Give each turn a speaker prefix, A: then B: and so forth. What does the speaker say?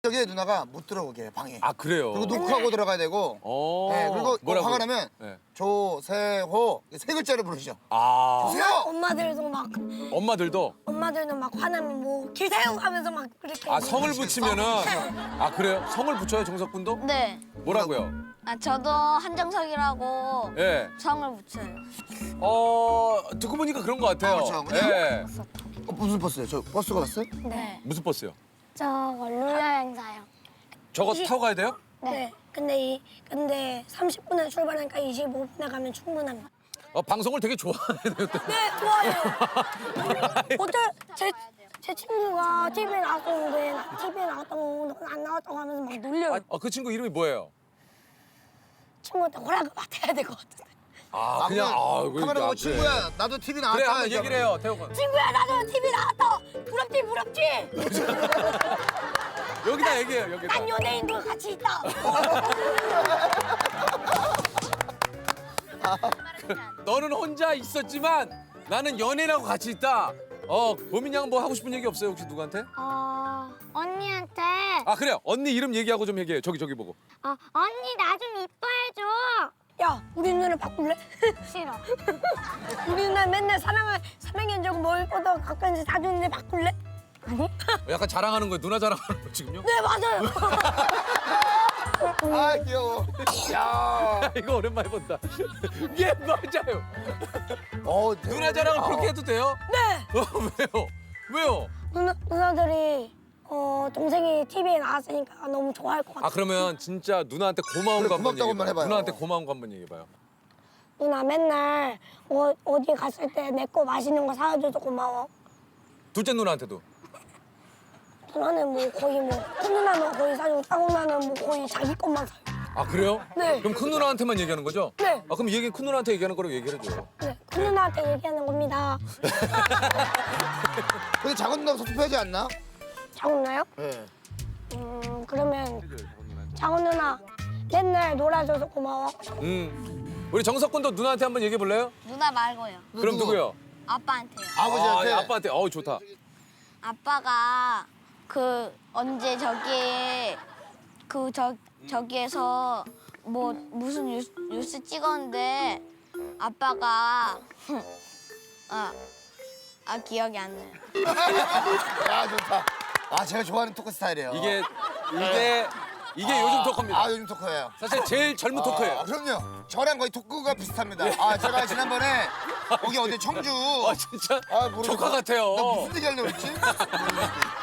A: 여기에 누나가 못 들어오게 해요, 방에.
B: 아 그래요?
A: 그리고 노크하고 들어가야 되고. 네, 그리고
B: 뭐라고요?
A: 화가 나면
B: 네.
A: 조세호 세 글자를 부르시죠.
B: 아
A: 조세호!
C: 엄마들도 막
B: 엄마들도
C: 엄마들도 막 화나면 뭐 길세우 하면서 막 그렇게
B: 아 성을 붙이면은 아 그래요? 성을 붙여요 정석군도?
D: 네.
B: 뭐라고요?
D: 아, 저도 한정석이라고
B: 예.
D: 성을 붙여요.
B: 듣고 보니까 그런 것 같아요.
A: 그렇죠. 그냥
B: 예.
A: 무슨 버스예요? 저 버스가 왔어요?
D: 네.
B: 무슨 버스요?
D: 저 룰여행사요.
B: 저거 타고 가야 돼요?
C: 네. 근데 30분에 출발하니까 25분에 가면 충분합니다.
B: 방송을 되게 좋아해요.
C: 네, 좋아요. 어쩔 제 친구가 TV에 나왔었는데 TV에 나왔다고 넌 안 나왔다고 하면서 막 놀려요.
B: 그 친구 이름이 뭐예요?
C: 친구한테 허락을 받아야 될 것 같은데.
B: 아 그냥
A: 카메라 보고 친구야 나도 TV 나왔다.
B: 그래 한번 얘기를 해요 태호군.
C: 친구야 나도 TV 나왔다. 부럽지 부럽지.
B: 여기다 얘기해요 여기다.
C: 난 연예인도 같이 있다.
B: 너는 혼자 있었지만 나는 연예인하고 같이 있다. 보민 양 뭐 하고 싶은 얘기 없어요 혹시 누구한테?
D: 언니한테
B: 아 그래요 언니 이름 얘기하고 좀 얘기해요. 저기 보고.
D: 언니 나 좀 이뻐해줘.
C: 야 우리 누나를 바꿀래?
D: 싫어.
C: 우리 누나 맨날 사랑해 주고 뭘 뻗어 가끔씩 사주는데 바꿀래? 아니?
B: 약간 자랑하는 거예요. 누나 자랑하는 거 지금요?
C: 네 맞아요.
A: 아 귀여워. 야.
B: 이거 오랜만에 본다. 예 맞아요. 누나 자랑을 그렇게 해도 돼요?
C: 네.
B: 왜요?
C: 누나들이 동생이 TV에 나왔으니까 너무 좋아할 것 같아.
B: 아 그러면 진짜 누나한테 고마운
A: 그래,
B: 거 한번
A: 고맙다고
B: 얘기해봐요.
A: 한번 해봐요.
B: 누나한테 고마운 거 한번 얘기해봐요.
C: 누나 맨날 어디 갔을 때 내 거 맛있는 거 사줘서 고마워.
B: 둘째 누나한테도.
C: 누나는 뭐 거의 큰 누나는 거의 사주고 딱 누나는 뭐 거의 자기 것만 사요.
B: 아 그래요?
C: 네.
B: 그럼 큰 누나한테만 얘기하는 거죠?
C: 네.
B: 아 그럼 얘기 큰 누나한테 얘기하는 거라고 얘기를 해줘요.
C: 네, 큰 누나한테 얘기하는 겁니다.
A: 근데 작은 누나가 섭섭해하지 않나?
C: 작은 누나요?
A: 네.
C: 그러면 작은 누나 맨날 놀아줘서 고마워.
B: 우리 정석군도 누나한테 한번 얘기해 볼래요?
D: 누나 말고요.
B: 그럼 누구요?
D: 아빠한테요.
A: 아버지한테.
B: 아빠한테. 좋다.
D: 아빠가 언제 저기에서 뭐 무슨 뉴스 찍었는데 아빠가 기억이 안 나요.
A: 야 좋다. 제가 좋아하는 토크 스타일이에요.
B: 이게 요즘 토크입니다.
A: 요즘 토크예요.
B: 사실 제일 젊은 토크예요.
A: 그럼요. 저랑 거의 토크가 비슷합니다. 제가 지난번에 거기 어디 청주.
B: 진짜
A: 모르겠어.
B: 조카 같아요.
A: 나 무슨 얘기 하려고 했지?